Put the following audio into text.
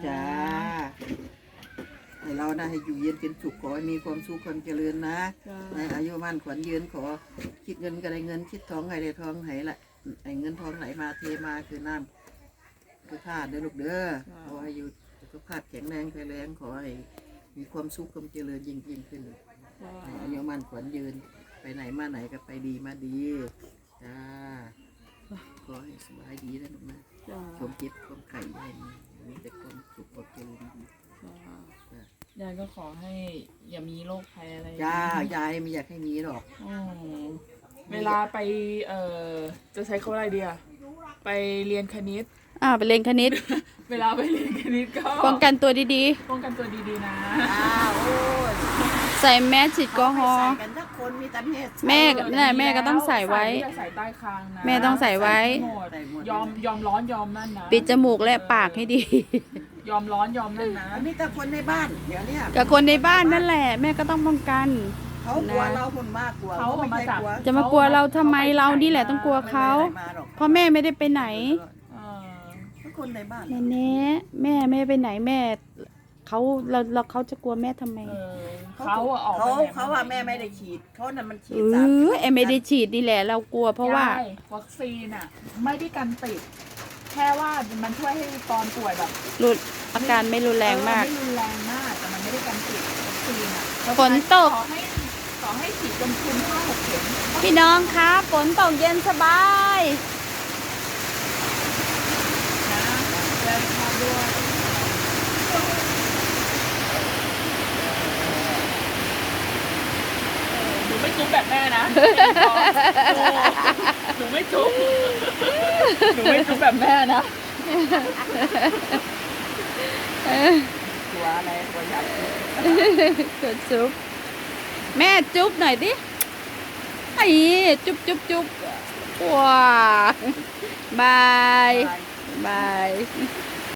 จ้าให้เราได้ให้อยู่เย็นเป็นสุขขอให้มีความสุขความเจริญนะในอายุมั่นขวัญยืนขอคิดเงินก็ได้เงินคิดทองให้ได้ทองให้ละไอ้เงินทองไหลมาเทมาคือน้ำคือธาตุเด้อลูกเด้อขอให้อยู่สุขภาพแข็งแรงแข็งแรงขอให้มีความสุขความเจริญยิ่งขึ้นอายุมั่นขวัญยืนไปไหนมาไหนก็ไปดีมาดีจ้าขอให้สบายดีนะลูกนะความเจ็บความไข้ให้มีแต่ความสุขความเจริญยายก็ขอให้อย่ามีโรคภัยอะไรจ้ายายไม่อยากให้มีหรอกเวลาไปจะใช้คำอะไรดีอะไปเรียนคณิตไปเรียนคณิตเวลาไปเรียนคณิตก็ป้องกันตัวดีป้องกันตัวดีๆนะโอ้ยใส่แมสฉีดแอลกอฮอล์แม่ก็ต้องใส่ไว้ใส่ใต้คางนะแม่ต้องใส่ไว้ยอมร้อนยอมนั่นนะปิดจมูกและปากให้ดียอมร้อนยอมนั่นนะมีแต่คนในบ้านเดี๋ยวนี้กับคนในบ้านนั่นแหละแม่ก็ต้องป้องกันเขากลัวเราคนมากกลัวเขาไม่ใช่กลัวจะมากลัวเราทำไมเรานี่แหละต้องกลัวเขาเพราะแม่ไม่ได้ไปไหนคนในบ้านแน่แม่ไม่ไปไหนแม่เขาจะกลัวแม่ทำไมเขาว่าแม่ไม่ได้ฉีดเขานั่นมันฉีดไม่ได้ฉีดนี่แหละเรากลัวเพราะว่าวัคซีนอ่ะไม่ได้กันติดแค่ว่ามันช่วยให้ตอนป่วยแบบอาการไม่รุนแรงมากไม่รุนแรงมากแต่มันไม่ได้กันติดวัคซีนอ่ะฝนตกขอให้ฉีดจนคุ้ม5-6 เข็มพี่น้องครับฝนตกเย็นสบายหนูไม่จุ๊บแบบแม่นะหนูไม่จุ๊บแบบแม่นะตัวอะไรตัวใหญ่จุ๊บแม่จุ๊บหน่อยดิไอ้จุ๊บว้าบาย